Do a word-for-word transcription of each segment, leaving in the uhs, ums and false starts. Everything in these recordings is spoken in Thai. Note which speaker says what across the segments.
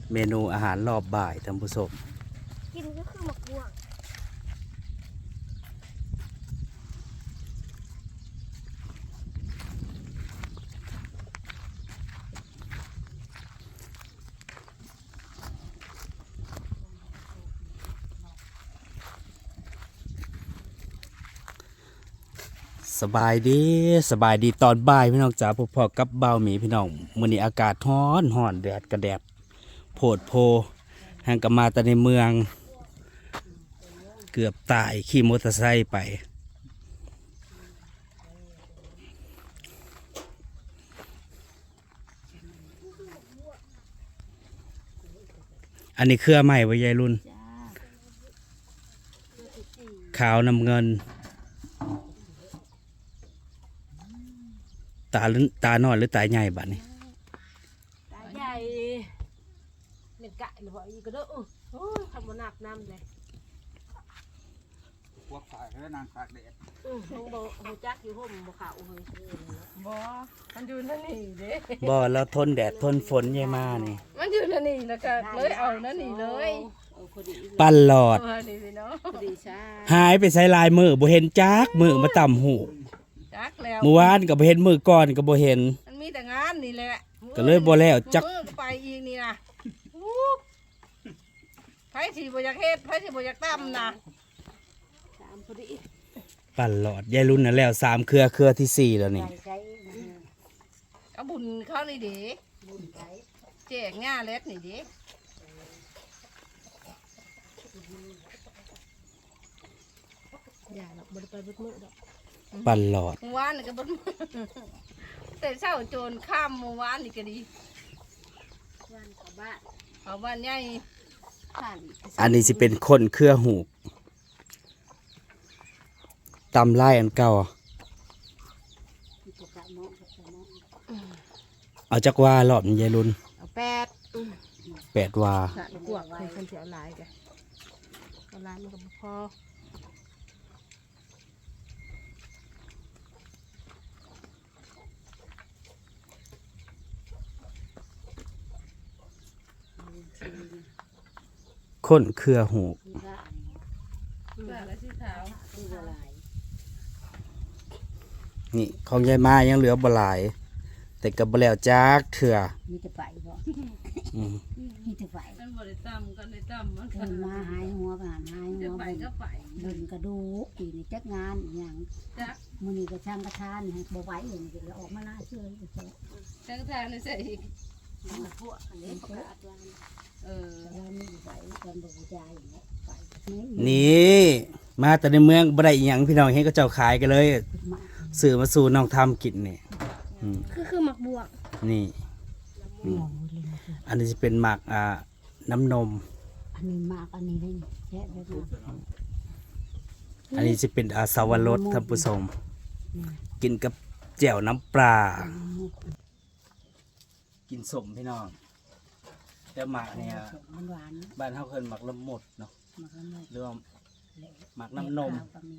Speaker 1: เมนูอาหารรอบบ่ายท่านผู้ชม
Speaker 2: กินก็คือหมกบวง
Speaker 1: สบายดีสบายดีตอนบ่ายพี่น้องจ๋าพอๆกับเบาหมีพี่น้องมื้อนี้อากาศร้อนร้อนแดดกระแดดโพดโพแห่งกมาแต่ในเมืองเกือบตายขี่มอเตอร์ไซค์ไปอันนี้เครือใหม่ไว้ยายรุ่นขาวน้ำเงินตาตาหน่อยหรือตาใหญ่บัดนี้
Speaker 3: ตาใหญ่เม็ดกะหรือว่าอีกก็เด้อโอ้ยทำบนหนักน้ำเลย
Speaker 4: พวกฝ่ายแล้วนางตากแดด
Speaker 3: อือลงบ่หูจักอยู่ห่มบ่ขาวเฮ้ยบ่มันอยู่นั่นนี่เด้
Speaker 1: บ่แล้วทนแดดทนฝนยายมานี่
Speaker 3: มันอยู่นั่นนี่แล้วก็เลยเอานั่นนี่เลย
Speaker 1: ปั้นหลอดหายไปใส่ลายมือบ่เห็นจักมือมาต่ำหู
Speaker 3: จักแล้ว
Speaker 1: เมื่อวานก็บ่เห็นมือก่อนก็บ่เห็น
Speaker 3: มันมีแต่งานนี่แหละ
Speaker 1: ก็เลยบ่แล้วจัก
Speaker 3: มือก็ไปอีกนี่นะไผสิบ่อยากเฮ็ดไผสิบ่อยากตำนะตามพอดี
Speaker 1: ปั้นหลอดยายรุ่นน่ะแล้วสามเครือเครือที่สี่แล้วนี่
Speaker 3: ก็บุญเขานี่เด้บุญไปแจกง่าเล็ดนี่เด้อย่าหรอกบ่ได้ไปเบิดมื้อดอก
Speaker 1: ปั้นหลอด
Speaker 3: เมื่อวานนี่ก็บ่แต่เช้าโจรข้ามเมื่อวานนี่ก็ดีวันเข้าบ้านเข้าบ้านใหญ่
Speaker 1: อันนี้สิเป็นคนเครือหูตำลายอันเก่าเอาจักว่ารอบยายรุ่น
Speaker 3: เอาแปด
Speaker 1: แปดว่า
Speaker 3: พวกคนเสียหลายแกเอาหลายมันก็บ่พอ
Speaker 1: คนเครือหูนี่ของยายมายังเหลือบหลายแต่กับบแล้วจักเถื่อ
Speaker 5: มีแต่ไปบ่มีแต่ไป
Speaker 3: มันบ่ได้ตำกันได้ตำมัน
Speaker 5: เดินมาหายหัวผ่านหายหัว
Speaker 3: ไปก็ไป
Speaker 5: เดินกระดูกปีนี่จักงานอย่างมื้อนี้ก็ช่างกระทานให้บ่ไหวอย่างนี้ก็ออกมาหน้าเชื่ออีก
Speaker 3: ช่างกระทานนี่ใส่อีก
Speaker 5: พวกอันนี้ประกาศว่า
Speaker 3: เออ
Speaker 5: แล้วมีไหวกันบ่ฮู้ใจอย่างเงี้ยไป
Speaker 1: นี่มาแต่ในเมืองบ่ได้อีหยังพี่น้องเห็นก็เจ้าขายกันเลยซื้อมาสู่น้องทำกินนี่
Speaker 2: คือคือหมักบวง
Speaker 1: นี่อันนี้จะเป็นหมักอ่าน้ำนม
Speaker 5: อันนี้หมักอันนี้ได้แค่ได้
Speaker 1: อันนี้จะเป็นอาสาวรสท่านผู้ชมกินกับแจ่วน้ำปลากินสมพี่น้องแต่หมักเนี่ยบ้านเขาเคยหมักละมดเนาะหรือว่าหมักน้ำนม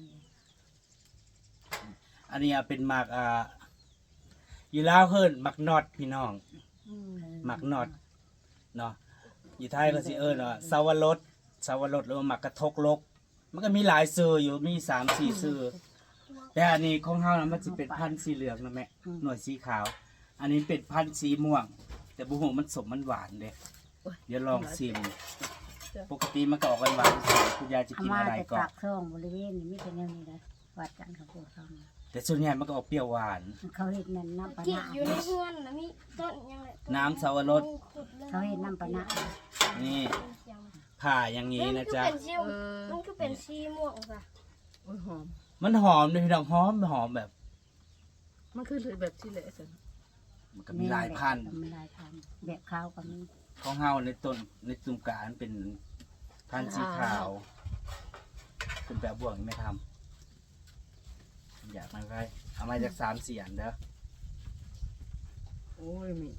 Speaker 1: อันนี้เป็นหมักอ่าอยู่ลาวเฮินหมักนอดพี่น้องหมักนอดเนาะอยู่ไทยก็สิเอิญว่าสาวรสสาวรสหรือว่าหมักกระทกลกมันก็มีหลายซื้ออยู่มีสามสี่ซื้อแต่อันนี้ของเฮานะมันจะเป็นพันธุ์สีเหลืองนะแม่หน่วยสีขาวอันนี้เป็นพันธุ์สีม่วงแต่บุหงมันสมมันหวานเด้เดี๋ยวลองชิมปกติมันก็ออกหวานๆคุณยายจะกินอะไรก่อน
Speaker 5: ปากช่องบริเวณนี้มีแต่แนวนี้นะวัดกันเขาพูดเขา
Speaker 1: แต่ส่วนใหญ่มันก็ออกเปรี้ยวหวาน
Speaker 5: เขาเห็นนั่นน้ำปะนะ
Speaker 2: อยู่ในเฮือนนะมีต้นยังไง
Speaker 1: น้ำสาวรส
Speaker 5: เขาเห็นน้ำปะนะ
Speaker 1: นี่ผ่าอย่างนี้นะจ๊ะ
Speaker 2: มันก็เป็นชีม่วงจ้ะ
Speaker 3: หอม
Speaker 1: มันหอมเลยพี่น้องหอมหอมแบบ
Speaker 3: มันคือแบบที่เละสิ
Speaker 1: มันก็มีหลายพันธุ์
Speaker 5: มีหลายพันธุ์แบบข้าวก็มี
Speaker 1: ของเฮาในต้นในตุ่มกาอันเป็นพันธุ์สีขาวเป็นแบบบวกไม่ทำอยากมาไว้เอามาจากสามเสียนเด้อ
Speaker 3: โอ้ยมี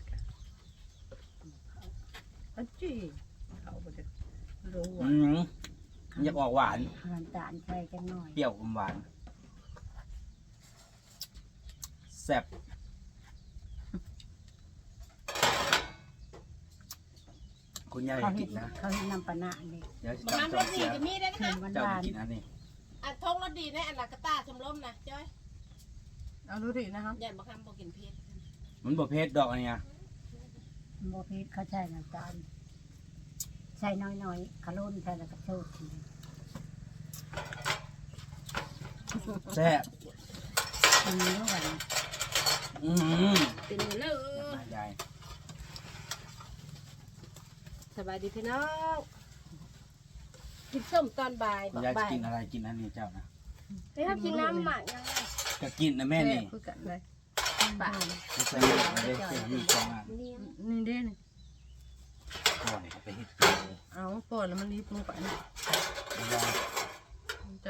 Speaker 3: อันจี้เขาบ่จะรู้ว่า
Speaker 1: อยากออกหวาน
Speaker 5: น้ำตาลใส่จังหน่อย
Speaker 1: เปรี้ยวอมหวานแซ่บคุณยาย
Speaker 5: เขา
Speaker 1: กิ
Speaker 5: เห็
Speaker 1: น
Speaker 5: น
Speaker 1: นะ
Speaker 5: เขาเห็นน้ำปะนะนี่
Speaker 1: เดี๋ยวจะ
Speaker 3: มัน
Speaker 1: จำ
Speaker 3: ร
Speaker 1: ตัว
Speaker 3: สดี
Speaker 1: เสีย
Speaker 3: ก็มีได้
Speaker 5: เค็
Speaker 3: นะ
Speaker 5: มหวาน
Speaker 1: เจ้า
Speaker 5: หวา
Speaker 1: จะ
Speaker 5: น
Speaker 1: กินอันนี้
Speaker 3: อันทงรสดีในอันละกระตาชมรมนะจ้อย
Speaker 4: เอาดูดินะครับ
Speaker 3: อย่ามาคำบอกกินเผ็ด
Speaker 1: มันบ่เผ็ดดอกอันเนี้ย
Speaker 5: โมพิษเขาใช้น้ำตาลใส่น้อยๆขลุ่นใส่แล้วก็โชดที
Speaker 1: แซ่บ
Speaker 5: อันนี้ว่า
Speaker 1: อืม
Speaker 3: เป็นเลย
Speaker 1: มายาย
Speaker 3: สบายดีพี่น้องกินส้มตอนบ่าย
Speaker 1: คุณ
Speaker 3: บอก
Speaker 1: ยายจะ
Speaker 3: บ่าย
Speaker 1: กินอะไรกินอันนี้เจ้านะ
Speaker 2: เฮ้ยถ้ากินน้ำหมักยังไง
Speaker 1: ก็กินนะแม่นี่
Speaker 4: คือกันเลย
Speaker 5: บ้าน
Speaker 1: ไม่ใช่ไม่ได้เสียมีสองอัน
Speaker 2: เลี้ยง
Speaker 4: นี่เด้นี่
Speaker 1: ก่อนเอาไปเฮ็ดกินเลย
Speaker 4: เอาปวดแล้วมันรีบลงไปนะ
Speaker 1: ยาย
Speaker 4: จะ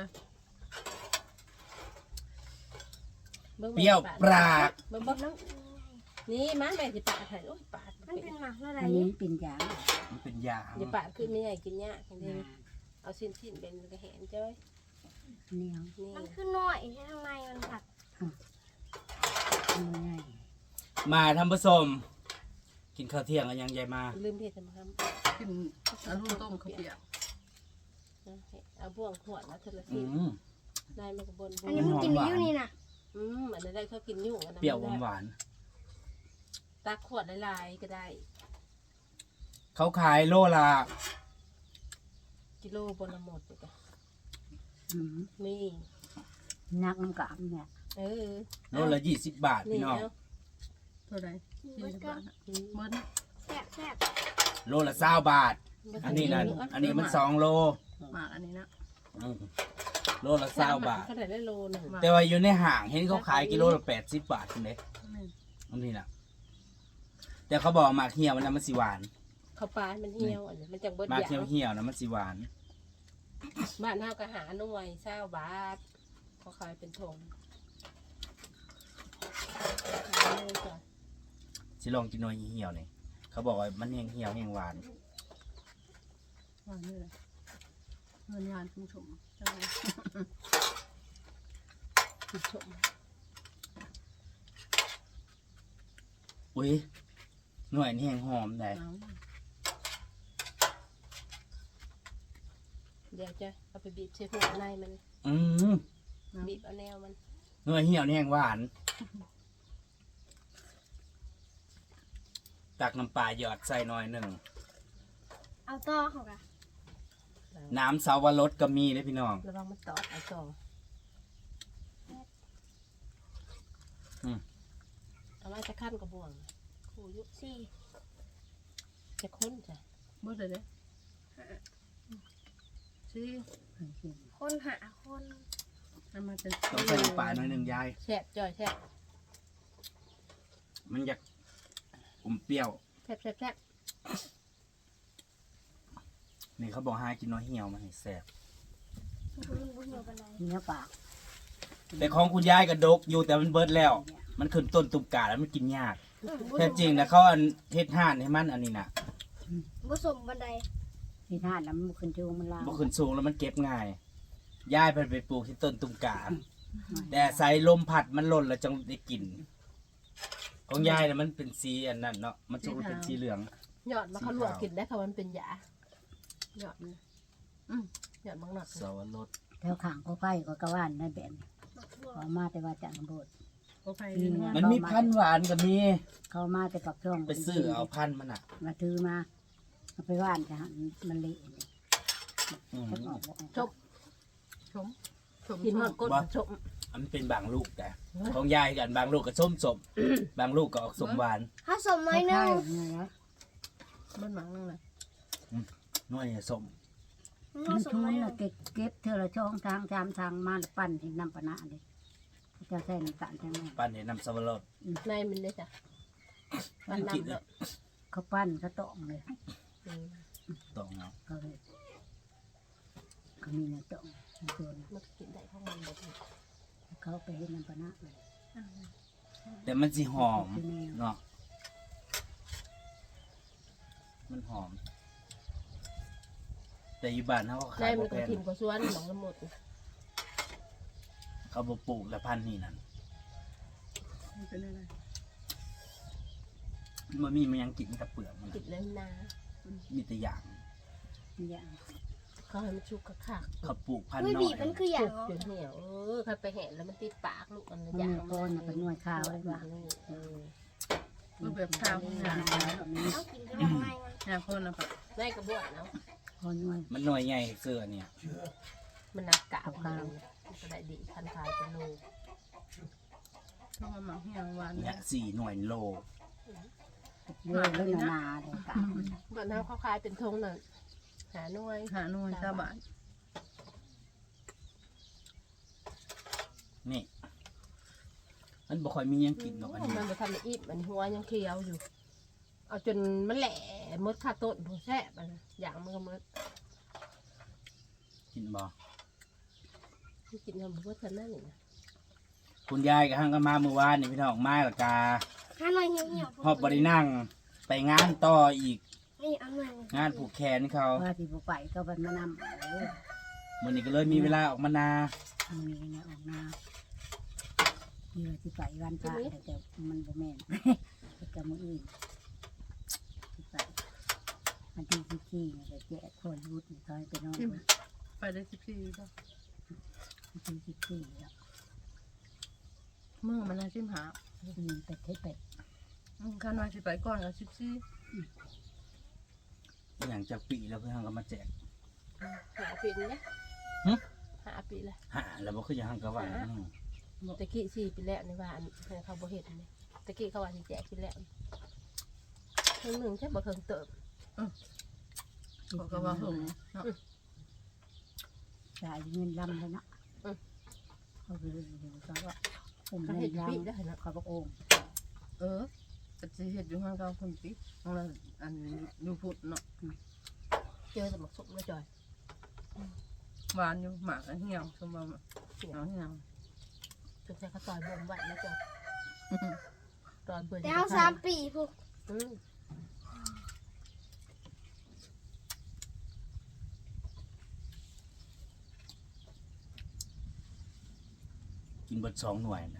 Speaker 1: เปรี้ยวปราก
Speaker 3: เบิ่งเบิ่งน้ำนี่มาแม่สิปาดให้โอ้ยปาด
Speaker 2: มันเป็นหมักอะไร
Speaker 5: อันนี้เป็นยา
Speaker 1: มันเป็นยา
Speaker 3: อย่าปาดขึ้นไม่ใหญ่กินยากจังเลยเอาสิ้นสิ้นเป็นกระแหนจ้อย
Speaker 5: เหนียว
Speaker 3: นี่
Speaker 2: มันคือน้อยแค่ข้างในมันผัด
Speaker 5: ง่าย
Speaker 1: มาทำผสม กินข้าวเที่ยงกันยังยายมา
Speaker 3: ลืมเผ็ดทำครับ
Speaker 4: กินเอาลูกต้มข้าวเปียก
Speaker 3: เอาบ่วงขวดแล้วเธอละ
Speaker 1: อื
Speaker 3: สิ
Speaker 1: ม
Speaker 3: ได้มากระบน
Speaker 2: อันนี้มันกินได้อยู่นี่นะ
Speaker 3: อืมอันนั้นได้เขากินยุ่งอันนั้น
Speaker 1: เปรี้ยวหวาน
Speaker 3: ตักขวดลายๆก็ได้
Speaker 1: ๆเขาขายโลละ
Speaker 3: กิโลบนละหมดเลยจ้ะ
Speaker 5: อืม
Speaker 3: นี่
Speaker 5: นักน้ำกามเนี่ย
Speaker 3: เออ
Speaker 1: โลละยี่สิบบาท
Speaker 3: นี่
Speaker 1: พี่น้อง
Speaker 3: เอา
Speaker 4: เท่าไหร่สี่สิบบาทอะเบิ้ล
Speaker 2: แซ่บแซ่บ
Speaker 1: โลละเศร้าบาท อันนี้นั่นอันนี้มันสองโล
Speaker 4: หมากอันนี้นะ
Speaker 1: อืมโลละเศร้าบาท
Speaker 3: เขาได้ได้โลหนึ่ง
Speaker 1: แต่ว่าอยู่ในห้างเห็นเขาขายกิโลละแปดสิบบาทคุณเด้อันนี้นะแต่เขาบอกหมากเหี่ยวมันนะมันสิหวาน
Speaker 3: เขาปลามันเหี่ยวอันนี้มันจังเบิด
Speaker 1: หมาก
Speaker 3: ยา
Speaker 1: เหี่ยว
Speaker 3: ว
Speaker 1: เหี่ยวๆนะมันสิหวาน
Speaker 3: บ้านเฮาก็หาหน่วยเศร้าบาทเขาขายเป็นถงขายเลยจ้ะ
Speaker 1: สิลองกินหน่อยเหี่ยวๆนี่เขาบอกว่ามันแห้งเหี่ยวแห้งหวาน
Speaker 4: หวานนี่เลยเงินงานคุณชมใช่ไหม
Speaker 3: ผู้ชม
Speaker 1: อุ้ยหน่วยนี่แห้งหอมได้
Speaker 4: เอา
Speaker 3: เดี๋ยวจะเอาไปบีบใส่หัวในมัน
Speaker 1: อืม
Speaker 3: บีบเอาแนวมัน
Speaker 1: หน่วยเหี่ยวนี่แห้งหวาน ตักน้ำปลาหยอดใส่หน่อยหนึ่ง
Speaker 2: เอาต่อเขากะ
Speaker 1: น้ำสาวรสก็มีเลยพี่น้อง
Speaker 3: ระวังมันตอดเอาต่ออ
Speaker 1: ม
Speaker 3: เอาไว้จะขั้นกระบวงคู่ยุ
Speaker 2: สี่
Speaker 3: จะค้นจ้ะ
Speaker 4: เบิ้ลเลยเด้สี่
Speaker 2: คนหาคน
Speaker 4: ให้มันเป็น
Speaker 1: ต้องใส่น้ำปลาหน่อยหนึ่งยาย
Speaker 3: แซ่บจ่อยแซ่บ
Speaker 1: มันอยากอมเปรี้ยว
Speaker 3: แซ่บแซ่บแซ่บ
Speaker 1: นี่เขาบอกให้กินน้อยเหี่ยวมันให้แซ่บ
Speaker 2: มันบุญเหี่ยวกันเลย
Speaker 5: เนื้อปาก
Speaker 1: แต่ของคุณยายกระดกอยู่แต่มันเบิดแล้ว มันขึ้นต้นตุ่มกาแล้วมันกินยากแท้จริงนะเขาอันเฮ็ดห่านให้มันอันนี้นะ
Speaker 2: ผสมบันได
Speaker 5: ที่ท่านน้ำขึ้นจูงมันลาว
Speaker 1: บ่ขึ้นสูงแล้วมันเก็บง่ายยายเพิ่นไปปลูกที่ต้นตุ่มกาแต่ใส่ลมพัดมันหล่นแล้วจังได้กิน ของยายน่ะมันเป็นสีอันนั้นเนาะมันจะเป็นสีเหลือง
Speaker 3: หยอดมาเขาลวกกินได้ค่ะมันเป็นยาหยอดมันอืมหยอดมังหนอด
Speaker 1: สวรส
Speaker 5: แถวข้างก็ไผ่ก็กระว่านในแบบนี้
Speaker 2: หมักบว
Speaker 5: เขา
Speaker 2: ก
Speaker 5: มาแต่ว่าจากอำเภอ
Speaker 4: โอเคดีมาก
Speaker 1: มันมีพันธุ์หวานก็มี
Speaker 5: เขามาแต่ปักช่อง
Speaker 1: ไปซื้อเอาพันธุ์มันอ่ะ
Speaker 5: มาถือมาเอาไปว่านจะหันมันเละเลย
Speaker 1: อืม
Speaker 5: จะออกบ่ออก
Speaker 3: จบ
Speaker 4: ชมชม
Speaker 3: กินหอดก้น
Speaker 1: บ่
Speaker 3: ชม
Speaker 1: อันนเป็นบางลูกแต่ ของยายกันบางลูกก็ส้มสมบางลูกก็ออกสมหวาน
Speaker 2: ถ้าสมน้อยหนึง
Speaker 5: ใช่ไงนะ
Speaker 4: เบิ้ลหมังนั่งเลย
Speaker 1: น้อยเนี่ยสม
Speaker 2: ถ้า
Speaker 5: มัน
Speaker 2: สม
Speaker 5: ทุ่
Speaker 2: น้อยหนึ
Speaker 5: น่ะ
Speaker 2: ง
Speaker 5: เก็บเก็บเธอละช่องทางจามทางมาแล้วปั้นที่น้ำปะนะเลยเขาจะใส่น้ำตาลใช่ไหม
Speaker 1: ปั้นให้น้ำสวรส
Speaker 3: ในมันเลยจ้ะมัน
Speaker 1: กิน
Speaker 3: นำ
Speaker 1: เล
Speaker 3: เลย ย
Speaker 5: เขาปั้นเขาตองเลย
Speaker 3: อืม
Speaker 1: ต้องเอา
Speaker 5: เขาเลยเขามีเนื้อตองในตัวนี้
Speaker 3: มันกินได้ของมันหมดเลย
Speaker 5: เขาไปเห็นน้ำปะนะเลย
Speaker 1: แต่มันสิหอมเนาะมันหอม แต่อยู่บ้านเขาก็
Speaker 3: ใน
Speaker 1: ขาย
Speaker 3: มั
Speaker 1: บ่
Speaker 3: นก็
Speaker 1: แพง
Speaker 3: ถิ่นกว่าสวนหนองละหมด
Speaker 1: เขาบ่ปลูกและพันธุ์นี่นั่น
Speaker 4: มันเป็นอะไร
Speaker 1: มันมีมันยังกินกับเปลือกมัน
Speaker 3: ติดแล้วนา
Speaker 1: มีแต่อย่าง
Speaker 5: อย่าง
Speaker 3: เขาให้มันชุกกระคัก
Speaker 1: เขาปลูกพันธุ์
Speaker 2: อุ้ย
Speaker 1: น้
Speaker 2: บี
Speaker 1: อบ ย
Speaker 2: มันคืออย่าง
Speaker 3: ชุก
Speaker 2: เหรอ
Speaker 3: จนเหี่ยวเออใครไปเห็นแล้วมันติดปากลูกอันนั้น
Speaker 5: มัน
Speaker 3: อย่าง
Speaker 5: มีโคนเป็นหน่วยข้าวเลย
Speaker 3: แบ
Speaker 5: ว่า
Speaker 3: บนี้เออ
Speaker 4: มันแบบข้าวหาง
Speaker 5: แบบนี้
Speaker 2: เอากินก็ยังไงมัน
Speaker 4: หางคนนะปะ
Speaker 3: ได้กระบวนเนาะ
Speaker 5: คนหน่วย
Speaker 1: มันหน่วยใหญ่เสื้อเนี่ย
Speaker 3: มันนักกะเอาข้าวมันก็ได้ดีพันทายเป็นโล
Speaker 4: เพราะว่าหมักเหี่ยวหวาน
Speaker 1: เนี่ยสี่หน่วยโล
Speaker 5: เยอะเลยนาเลยกะ
Speaker 3: บ้านเขาเขาขายเป็นทงน่ะหาหน่วย
Speaker 4: หาหน่วยชาวบ้าน
Speaker 1: นี่มันบ่ค่อยมีหยังกินดอกอันนี้
Speaker 3: มันไปทำเป็นอีบมันหัวยังเคี้ยวอยู่ เอาจนมันแหล่มดคาต้นผู้แซ่บมันอย่างมันก็มด
Speaker 1: กินบ่
Speaker 3: ที่กินทำบุญเท่านั้นนี่นะ
Speaker 1: คุณยายกับฮังก็มาเมื่อวานนี่พี่น้องมาและกา
Speaker 2: ข้าหน่อยเหี่ยวเหี่ยว
Speaker 1: ฮอบบ่ได้นั่ง ไปงานต่ออีก
Speaker 2: นี่เอาหน่อย
Speaker 1: งานผูกแขนเขา
Speaker 5: ว่าที่บุไปก็บันมานำเออ
Speaker 1: มื้อนี้ก็เลยมีเวลาออกมานา
Speaker 5: มีเนี่ยออกนาเยอะที่ไปวันพระแต่แต่มันบ่แม่น แต่มืออื่นที่ไปมันที่ที่ที่เนี่ยแจกคนรุดตอนไปนอน
Speaker 4: ไปได้สิบสี่ป่ะ
Speaker 5: ที่ที่ที่แล้ว
Speaker 4: มือมันน่าชิมหา
Speaker 5: อืมเป็ดให้เป็ด
Speaker 4: อืมข้าน้อยสิไปก่อนกับสิบสี่
Speaker 1: อย่างจากปีแล้วเพื่อนก็มาแจก
Speaker 3: หาปีนี่
Speaker 1: หึ
Speaker 3: หาปีละ
Speaker 1: หาแล้วบ่คืออย่างฮังก็ว่าอืม
Speaker 3: ตะกี้สี่ปีแล้วในบ้านเขาบ่เห็นเลยตะกี้เขาว่าสิแจกปีแล้วเพิ่งหนึ่งแค่บ่เพิ่งเติบ
Speaker 4: เขาก็ว่าหงเนาะ
Speaker 5: จ่ายเงินลำเลยเนาะเขาคือเดี๋ยวเขาว่าผม
Speaker 3: เขา
Speaker 5: เงิ
Speaker 3: เห็น
Speaker 5: นล
Speaker 3: ปีได้เนาะ
Speaker 5: ำเขาบอกโอ่ง
Speaker 4: เออแต่สิเฮ็ดอยู่ข้างเก่าคนปีของเราอันอยู่พุทธเนาะ
Speaker 3: เจอแต่หมกสุกมาจ่อย
Speaker 4: หวานอยู่หมากอันเหี่ยวสมบัติเหี่ยวเหี่ยว
Speaker 3: ถึงแต่เขาต่อยบ่มไว้นะจ่อยต่อยเบื่อ
Speaker 2: แต่เอาสามปีพวก
Speaker 3: อืม
Speaker 1: กินเบิดสองหน่วยนะ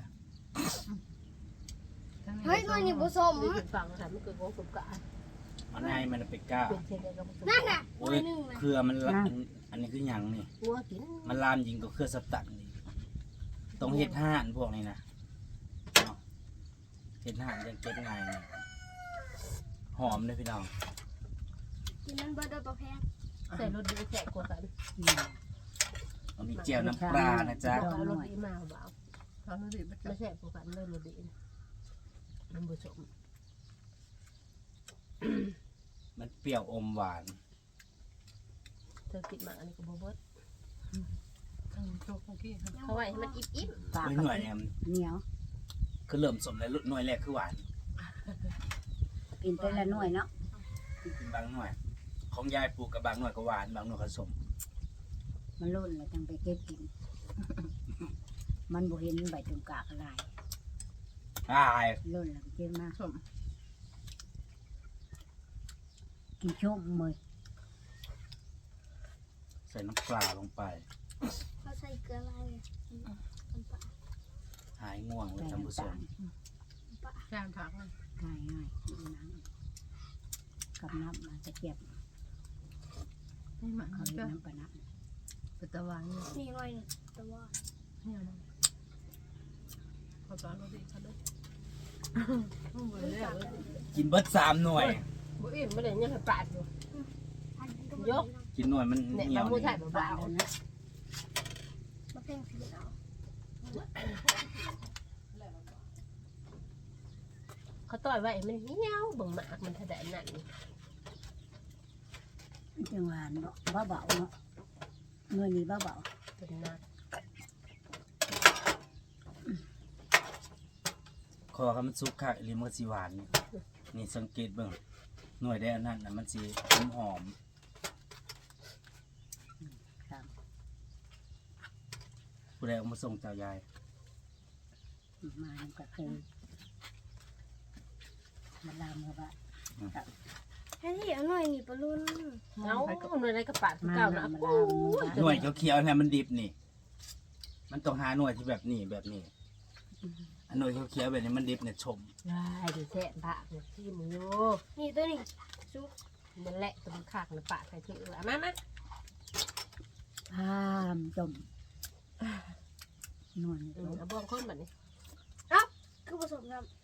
Speaker 2: เฮ้ยหน่อยนี่ผสม
Speaker 3: นี่เป็นฝั่งค่ะมันเกิดโกงสมกะ
Speaker 1: มันให้มันเป็นก้า
Speaker 3: เป็นเช่นเดียวกับผสม
Speaker 2: นั่นน่ะห
Speaker 1: โอ้
Speaker 2: น่อย ยหนึ่งนะ
Speaker 1: เครือมันละอันอันนี้คือหยังนี่
Speaker 3: งัวกิน
Speaker 1: มันลามยิงกับเครือสตันนี่ต้องเฮ็ดห่านพวกนี้นะเนาะเฮ็ดห่านยังเก็บง่ายนี่หอมเลยพี่น้อง
Speaker 2: กินมันเบอร์เดอร์ประแพง
Speaker 3: ใส่รถดีแจกกว่ากัน
Speaker 5: อืม
Speaker 1: มันมีเจียวน้ำปลานะจ๊ะ
Speaker 3: เอารถดีมาเบา
Speaker 4: เขาดูดิไป
Speaker 3: ไม่แจกกว่ากันเลยรถดีมันผสม
Speaker 1: มันเปรี้ยวอมหวาน
Speaker 3: เธอกินมาอันนี้ก็บ่เบิด
Speaker 4: ทางโชคเมื่อกี้ครับ
Speaker 3: เขาไว้ให้มันอิ่มอิ่ม
Speaker 5: ปาก
Speaker 1: เฮ้ย
Speaker 5: ก็
Speaker 1: หน่วยเนี่ยมัน
Speaker 5: เหนียว
Speaker 1: คือเริ่มสมแล้วหน่วยแรกคือหวาน
Speaker 5: กินไปละหน่วยเนาะ
Speaker 1: กินบางหน่วย ของยายปลูกกับบางหน่วยก็หวานบางหน่วยก็สม
Speaker 5: มันรุ่นแล้วจังไปเก็บกิน มันบ่เห็นใบตุ่มกากอะไร
Speaker 1: อ้าย
Speaker 5: รุ่นแล้วเก็บมา
Speaker 4: สม
Speaker 5: กินชมมือ
Speaker 1: ใส่น้ำปลาลงไป
Speaker 2: เขาใส่เกลืออะไรอ่ะน้ำปลา
Speaker 1: หายง่วงเลย
Speaker 5: ใส่
Speaker 1: ท่านผู้ช
Speaker 5: น้ำตาม ล
Speaker 2: น้ำปลา
Speaker 4: แซมผักมัน
Speaker 5: ง่ายง่ายๆกินน้ำกับน้ำมันจะเก็บ
Speaker 4: นี่หมัก
Speaker 5: เขา
Speaker 4: ก็
Speaker 5: เรียกน้ำปลาน้
Speaker 4: เป็นตะวันเนี่ย
Speaker 2: นี่หน่อยหนึ่งแต่ว่า
Speaker 4: เหี่ยวนะเขาตอนเราดิเขาด้วยเบื่อแล้ว
Speaker 1: กินเบิดสามหน่วย
Speaker 3: บ่อิ่มไม่ได้ยังให้ปาดอยู่
Speaker 2: อันนี้ก็
Speaker 3: ยก
Speaker 1: กินหน่วยมัน
Speaker 3: เนี่ย
Speaker 1: เหนี
Speaker 3: บา
Speaker 1: ยว
Speaker 3: งมือ
Speaker 1: นี่
Speaker 3: ถ่าย
Speaker 5: ำ
Speaker 3: เบา
Speaker 5: แล้วนะ
Speaker 2: มะเพ็งสีเอา
Speaker 3: ๆเขาต่อยไว้มันเหี่ยวเบิ่งหมากมันถดายนั่น
Speaker 5: จังหวานเนาะเบาๆเนาะเงินนี่เบา
Speaker 3: เป็นนัก
Speaker 1: คอเขามันซุกคักอีหลิมันก็สิหวานนี่นี่สังเกตเบิ่งหน่วยได้อันนั้นน่ะมันสิหอมหอม
Speaker 5: ๆครับ
Speaker 1: ผู้ใดเอามาส่งเจ้ายาย
Speaker 5: มามันก็คือมันลามเขาว่า
Speaker 2: แค่ที่เอาหน่อยนี่ปลาลุน
Speaker 3: เงาหน่วยในกระปาดเก่านะ
Speaker 5: มัน
Speaker 3: โอ้
Speaker 5: ลามมัน
Speaker 3: ย
Speaker 1: หน่วยเขียวๆเนี่ยมันดิบนี่ มันต้องหาหน่วยที่แบบนี้แบบนี้อันหน่วยเขียวๆแบบนี้มันดิบเนี่ยชม
Speaker 3: ได้ดิแซ่บปากเนี่ยที่มือ
Speaker 2: นี่ตัวนี้ซุป
Speaker 3: มันแหละตัวมันขากนะปะใส่ถือละมามา
Speaker 5: พามจมนวล
Speaker 3: อืมเอาบ่วงคนแบบนี้
Speaker 2: คือผสมครับ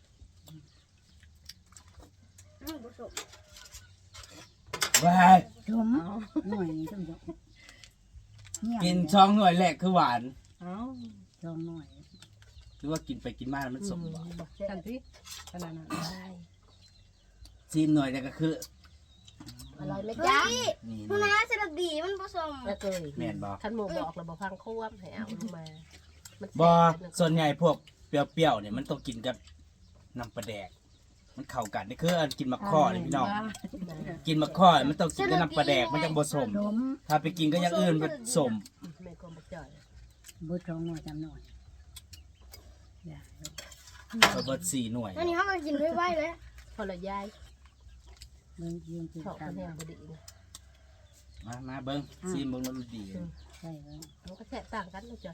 Speaker 2: อืมผสม
Speaker 1: ว้าย
Speaker 5: จมหน่วยนี้จมจมเงียบ
Speaker 1: กินช่องหน่วยแรกคือหวาน
Speaker 4: เอ้า
Speaker 5: จองหน่วย
Speaker 1: หรือว่ากินไปกินมาแล้วมันสมบ่
Speaker 3: บอกแซ่
Speaker 4: ทัน
Speaker 3: บ
Speaker 4: ทีขนาดนั้น
Speaker 1: ซีมหน่วยเนี่ยก็คือ
Speaker 3: อร่อยไหม
Speaker 2: เฮ้
Speaker 3: จ๊ะ
Speaker 2: ย
Speaker 1: นี่
Speaker 2: คุณน้าสลัดดีมันผสม
Speaker 3: แล้วเคย
Speaker 1: แม่นบ่
Speaker 3: ขันหมูบอกเราบอกพังควบให้เอาลงมามัน
Speaker 1: บ่
Speaker 3: แซ่บ
Speaker 1: ส่วนใหญ่พวกเปรี้ยวๆเนี่ยมันต้องกินกับน้ำปลาแดก มันเข้ากันนี่คืออันกินมะข้อนี่พี่น้อง กินมะข้อมันต้องกินกับน้ำปลาแดกมันจังบ่สม
Speaker 5: จม
Speaker 1: ถ้าไปกินก็อย่างอื่นมันสม
Speaker 3: แม่กลมบักจ่อย
Speaker 5: บุตรองหน่วยจำหน่วยอย่า
Speaker 1: เอาเบิดสี่หน่วย
Speaker 2: อันนี้เขาก็กินไว้ๆเลย
Speaker 3: พอละยาย
Speaker 5: เบิ่งยืนกิน
Speaker 3: ชอบ
Speaker 5: กั
Speaker 3: คะ
Speaker 5: น
Speaker 3: แนนบดีนะ
Speaker 1: มามาเบิ่งซีมเบิ่งแล้วมันดี
Speaker 5: ใช่แล้ว
Speaker 3: มันก็แซ่บต่างกันนะจ่อย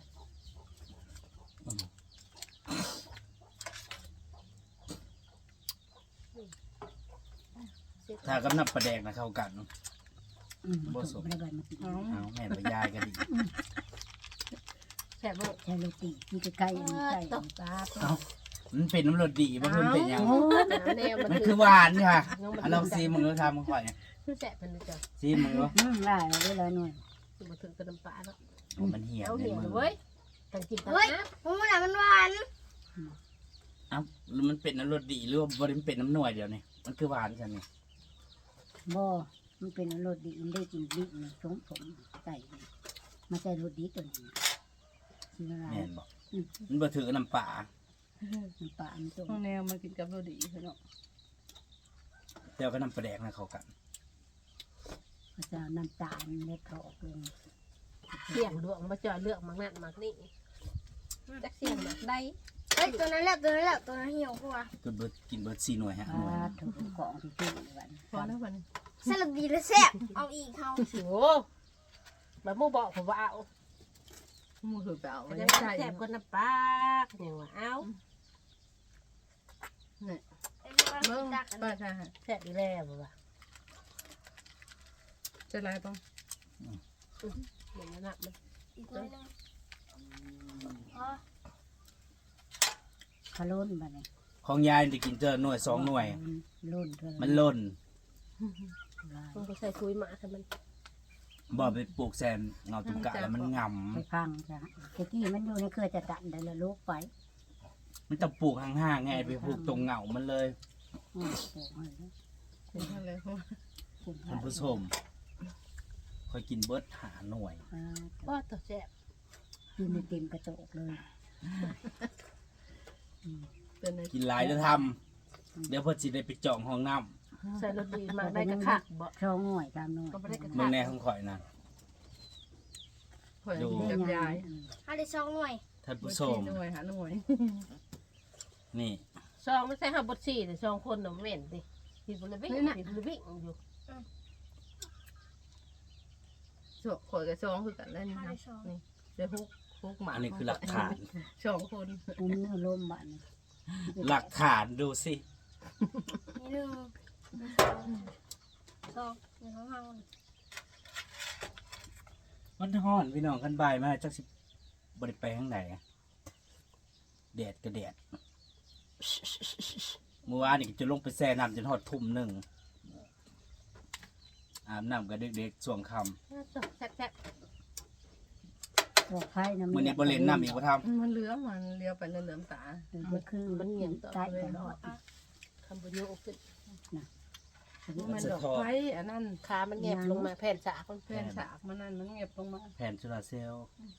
Speaker 1: ถ้ากับน้ำปลาแดกนะเข้ากัน
Speaker 5: อืมบ่สมไม่ได้มากิน
Speaker 1: เอาแม่นไปยายกันดิ
Speaker 3: แซ่บบ่
Speaker 5: ใช่โรตีที่ใกล้ๆอันนี้ใกล้
Speaker 3: ต
Speaker 5: อัน
Speaker 3: ก
Speaker 5: นี้
Speaker 3: ตา
Speaker 1: เอามันเป็นน้ำรสดีบ่มันเป็นหยัง
Speaker 5: โอ้ย
Speaker 3: แนวมัน
Speaker 1: มัน
Speaker 3: คื
Speaker 1: คือ อหวานค่ะเอาลองซีมมึงดูทำมึงข่อยเนี่ย
Speaker 3: คือแซ่บเป็นเลยจ้ะ
Speaker 1: ซีมมึงดู
Speaker 5: อืมได้เอาเวลาหน่วย
Speaker 3: คือมาถึงกระดำปลาแล้ว
Speaker 1: โอ้มันเหี่ยว
Speaker 3: เอา
Speaker 1: ใน
Speaker 3: เหี่ยว
Speaker 1: มือ
Speaker 3: เว้ยตั้งกินตั้ง
Speaker 2: เฮ้ย
Speaker 3: นะ
Speaker 2: มันน่ะมันหวาน
Speaker 1: เอ้าแล้วมันเป็นน้ำรสดีหรือว่าบ่ได้มันเป็นน้ำหน่วยเดียวนี่มันคือหวานจังนี่
Speaker 5: บ่มันเป็นรสดีมันได้กินดิบนี่สมผมใส่มาใส่รสดีตัวนี้ชื่ออะไร
Speaker 1: แม่นบ่มันบ่ถือกับน้ำปลา
Speaker 5: น้ำปลามันต้ม
Speaker 4: ห้องแนวมากินกับโรดีเนาะ
Speaker 1: แต่ว่ากับน้ำปลาแดกนะเข้ากัน
Speaker 5: ก็จะเอาน้ำตาลเล็ดเขาออกลง
Speaker 3: เสี่ยงดวงมาจ่อยเลือกมักนั่นมักนี่จักเสี่ยงมักได้
Speaker 2: เฮ้ยตัวนั้นแหละตัวนั้นแหละตัวนั้นเหี่ยวกว่า
Speaker 1: ก็เบิดกินเบิดสี่หน่วยฮะ
Speaker 5: ปลาถูกกล่องที่ตู้ในวัน
Speaker 4: พอแล้ววัน
Speaker 2: สลัดดีและแซ่บเอาอีกเขา
Speaker 3: โอ้แบบมูบอกผมว่าเอา
Speaker 4: มูถือไปเอาไว้
Speaker 3: จะ
Speaker 4: ใช่
Speaker 3: แซ่บคนน้ำปลาอย่างว่าเอา
Speaker 2: เบิ้
Speaker 4: เบิ้ง
Speaker 2: งดักกัน
Speaker 4: ป้าใช่ฮะ
Speaker 3: แซ่บอีแล้วบ่ว่า
Speaker 4: จะไรป้อง
Speaker 3: เหมือนนั้นมัน
Speaker 2: อีกตัวนึงอ๋อ
Speaker 5: ขลุ่นบ้านี่
Speaker 1: ของยายได้กินเจอหน่วยสองหน่วย
Speaker 5: ลุ่นเท่าไหร่
Speaker 1: มันล่น
Speaker 5: ลาย
Speaker 3: มันก็ใส่คุยมาแต่มัน
Speaker 1: บ่ไปปลูกแซมเงาตุ่มกะแล้วมันง
Speaker 5: ไปพังจ้ะตะกี้มันอยู่ในเครือจะตันได้ละลูกไป
Speaker 1: ำมันต้องปลูกห่างๆไงไปปลูกตรงเงามันเลย
Speaker 5: อืมโอ้ย
Speaker 4: กินเท่าไรเพราะ
Speaker 5: กิน
Speaker 1: ท่านผู้ชมคอยกินเบิดหาหน่วย
Speaker 5: ปลา
Speaker 3: ก็ตัวแซ่บ
Speaker 5: กินในเต็มกระโจกเลย
Speaker 4: เป็นใน
Speaker 1: กินหลายจะทำเดี๋ยวเพื่อสิได้ไปจองห้องน้
Speaker 3: ใส่รสดีมาได้กระคักบ่
Speaker 5: ช่องหน่วยตามหน่วย
Speaker 3: ก็ไม่ได้กระ
Speaker 1: ำ
Speaker 3: คั
Speaker 1: เมือก งแน่ของข่อยนะ
Speaker 4: หอยกินกับยาย
Speaker 2: เอาได้สองหน่วย
Speaker 1: ท่าน
Speaker 4: ผู้
Speaker 1: ผู้
Speaker 4: ช
Speaker 1: ช
Speaker 4: ม
Speaker 1: ม
Speaker 4: หน่วยหาหน่วย
Speaker 1: นี่
Speaker 3: ซองไม่ใช่ห้าบดสี่แต่ซองคนน่ะเว้นดิทีบุรีวิ่งทีบุรีวิ่งอยู่
Speaker 4: สองข่อยกับสองคือกันแล้วนี่
Speaker 2: เอา
Speaker 4: นะ
Speaker 2: ได้สอง
Speaker 4: นี่เดี๋ยวฮุกฮุกหมา
Speaker 1: อันนี้คือหลักฐาน
Speaker 4: สองคน
Speaker 5: อุ้มเนื้อลมบ้านนี่
Speaker 1: หลักฐานดูสิ
Speaker 2: นี่หนึ่งสองนี่ของเขา
Speaker 1: มันฮ้อนพี่น้องกันบ่ายมาจักสิบริไปทางไหนอะแดดก็แดดเมื่อวานนี่ก็จะลงไปแช่น้ำจนหอดทุ่มหนึ่งอาบน้ำกับเด็กๆส่วงค
Speaker 3: แซ่บแซ่บ
Speaker 5: บอกไผ่น้ำ
Speaker 1: ำมื่อนี้บริเลนน้ำอีกว่าท
Speaker 4: มันเหลือมมันเลี้ยวไปเหลือมตา
Speaker 5: มันคือ
Speaker 3: มันเหนียวต่อ
Speaker 5: ใต้
Speaker 3: ไป
Speaker 5: ต
Speaker 3: เนาะ
Speaker 5: ลอด
Speaker 3: คำบุญโยกขึ้น
Speaker 4: มันดอกไฟอันนั้น
Speaker 3: ขามันแงบลงมาแผ่นสาคน
Speaker 4: แผ่นฉากมันนั่นมันเงียบลงมา
Speaker 1: ำแผ่นสุราเซลล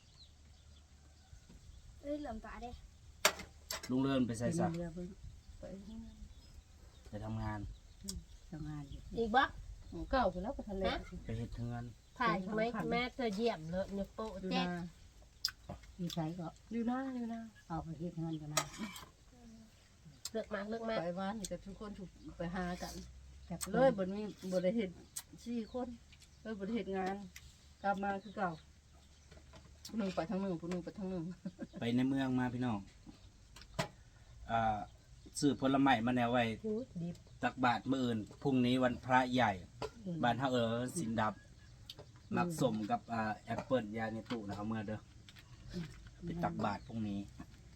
Speaker 2: เอ้ยเหลื่อมตาเด้
Speaker 1: ลุงเลื่อนไปใส่สัก
Speaker 5: เรือเพิ่ง
Speaker 4: ไป
Speaker 1: ไปทำงาน
Speaker 5: ทำงานอยู่
Speaker 3: อีกบ่
Speaker 4: เก่าไปแล้วไปทะเล
Speaker 1: ไปเฮ็ดเทือน
Speaker 3: ถ่ายไหมแม่เธอเยี่ยมเลยยกโป๊ะ
Speaker 4: อยู่
Speaker 3: แจ๊
Speaker 4: นา
Speaker 5: ที่ใช้ก็
Speaker 4: อยู่นาอยู่นา
Speaker 5: เอาไปเฮ็ดเงินกันนะ
Speaker 3: เลือกมาเลือกมา
Speaker 4: ไปบ้านนี่กับทุกคนถูกไปหากัน
Speaker 5: จาก
Speaker 4: เลยบนมีบริเหตุสี่คนเลยบริเหตุงาน กลับมาคือเก่าผู้หนึ่งไปทางหนึ่งผู้หนึ่งไปทางหนึ่ง
Speaker 1: ไปในเมืองมาพี่น้องอ่าซื้อผลไม้มาแนวไว้
Speaker 3: หูดิบ
Speaker 1: ตักบาทมื้ออื่นพรุ่งนี้วันพระใหญ่
Speaker 3: อ
Speaker 1: บ้านเฮาเออสินดับมักสมกับอ่าแอปเปิลยาในตู้นะเอาเมื่อเด้อไปตักบาตรพรุ่งนี้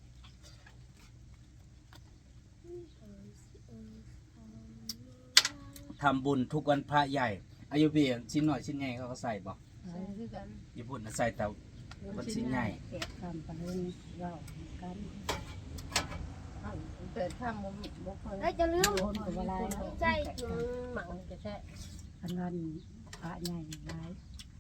Speaker 1: ทำบุญทุกวันพระใหญ่อายุเบียชิ้นหน่อยชิ้นใหญ่เขาก็ใส่บ่
Speaker 4: ใช่คือกัน
Speaker 1: ญี่ปุ่นน่ะใส่แต่วันชิ้นใหญ่
Speaker 5: เก็บทำไปเรื่องเล่ากัน
Speaker 4: แต่ถ้ามันบ่ค่อย
Speaker 2: เอ้ยจะลืม
Speaker 5: คนกับอะไร
Speaker 2: ใจ
Speaker 3: หมักจะแท้
Speaker 5: อันนั้นพระใหญ่หลาย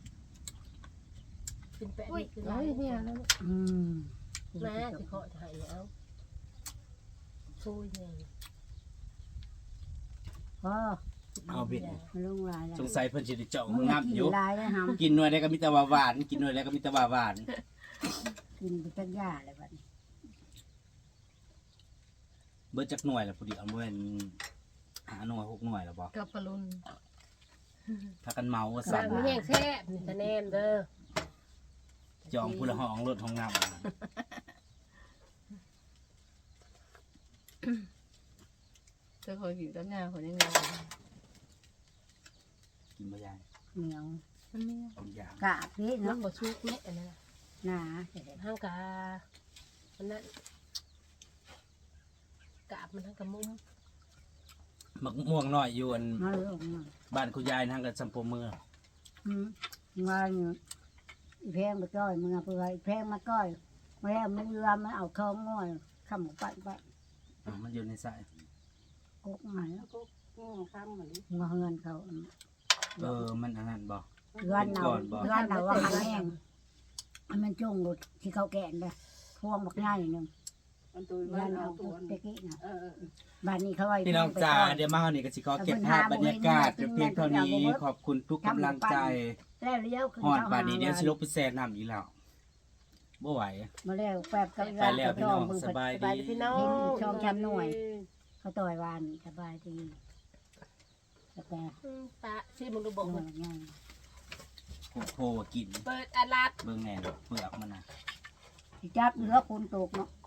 Speaker 3: เป็นแปะ
Speaker 2: อุ้ย
Speaker 3: คือ
Speaker 4: เฮ้ยเนี่ยแล้ว
Speaker 5: อืม
Speaker 3: แม่สิเคาะถ่ายแล้วช่วยไง
Speaker 5: ก็
Speaker 1: เอาเบ็ด
Speaker 5: มันลงลายแล้ว
Speaker 1: สงสัยเพิ่นสิได้เจาะ
Speaker 5: มึง
Speaker 1: งับ
Speaker 5: กิน
Speaker 1: อยู่
Speaker 5: ลายแล้วหำ
Speaker 1: กินหน่วยได้ก็มีแต่ว่าหวานกินหน่วยได้ก็มีแต่ว่าหวาน
Speaker 5: กินไปจักยาเลยบัดนี้
Speaker 1: เบิดจักหน่วยแล้วพอดีเอาเว้นหาหน่วยหกหน่วยแล้วบ่
Speaker 4: กับปลุน
Speaker 1: ถ้ากันเมาว่า
Speaker 3: สั่
Speaker 1: สั่
Speaker 3: ง
Speaker 1: น
Speaker 3: มีแห้งแซ่บนี่ตะแนมเด้อ
Speaker 1: จองผู้ละห้องรถห้องน้ำ
Speaker 4: เธอคอยกินกับหน้าคนยังไง
Speaker 1: กินบ่ยาย
Speaker 5: เหนียว
Speaker 4: มันเนี่ย
Speaker 1: บางอย่าง
Speaker 5: กาบนี่
Speaker 3: มัน
Speaker 5: เนาะ
Speaker 3: บ่ชุกแม่อันนั้นน่ะ
Speaker 5: หนาเสร็จ
Speaker 3: ห้างกาอันนั้นกาบมันทั้งกระมุม
Speaker 1: มักม่วงน้อยอยู่อัน
Speaker 5: มาลงมา
Speaker 1: บ้านคุณยายทางกันสัมปมือ
Speaker 5: อืมมาอยู่อีแพงมาก้อยมึงเอาไปไว้อีแพงมาก้อยมาแล้วมันเรือมันเอาเข้าง่อยข้ามปัดปัด
Speaker 1: อ่ามันอยู่ในสาย
Speaker 5: กกหาย
Speaker 3: ก็อืมข้างเหมือน
Speaker 5: มาเฮือนเขา
Speaker 1: เออมันอันนั้นบ่
Speaker 5: เฮือนเราเฮือนเราว่าแห้งมันจงรถที่เขาแกนเลยพวงบักง่ายหนึ่ง
Speaker 4: มันตัว
Speaker 5: เฮือนเอาตะกี้น่ะ
Speaker 4: เออ
Speaker 5: บ้านนี้เขาไว้
Speaker 1: พี่น้องจ๋าเดี๋ยวมาเฮานี่ก็สิขอเก็บภาพบรรยากาศเพียงเท่านี้ขอบคุณทุกกำลังใจ
Speaker 5: แล้วเลี้ยวขึ้น
Speaker 1: ฮอด
Speaker 5: เขา
Speaker 1: บาดนี้เดี๋ยวสิลงไปแซ่น้ำอีกแล้วบ่ไหว
Speaker 5: มาแล้วแป๊บกับ
Speaker 1: ไปแล้วพี่น้องสบาย
Speaker 3: ไป
Speaker 1: ดี
Speaker 3: พี่น้อง
Speaker 5: ช่องจำหน่วย เขาต่อยวานสบายดีแต่แต่
Speaker 3: อืมตาที่มึงดูบอก
Speaker 5: หน่
Speaker 3: มั
Speaker 5: วน ยง่าย
Speaker 1: โอ้โหกิน
Speaker 3: เปิดอาลัด
Speaker 1: เบิ่งแหน่เปลือกมันน่ะ
Speaker 5: สิจับเนื้อคุณตกเนาะ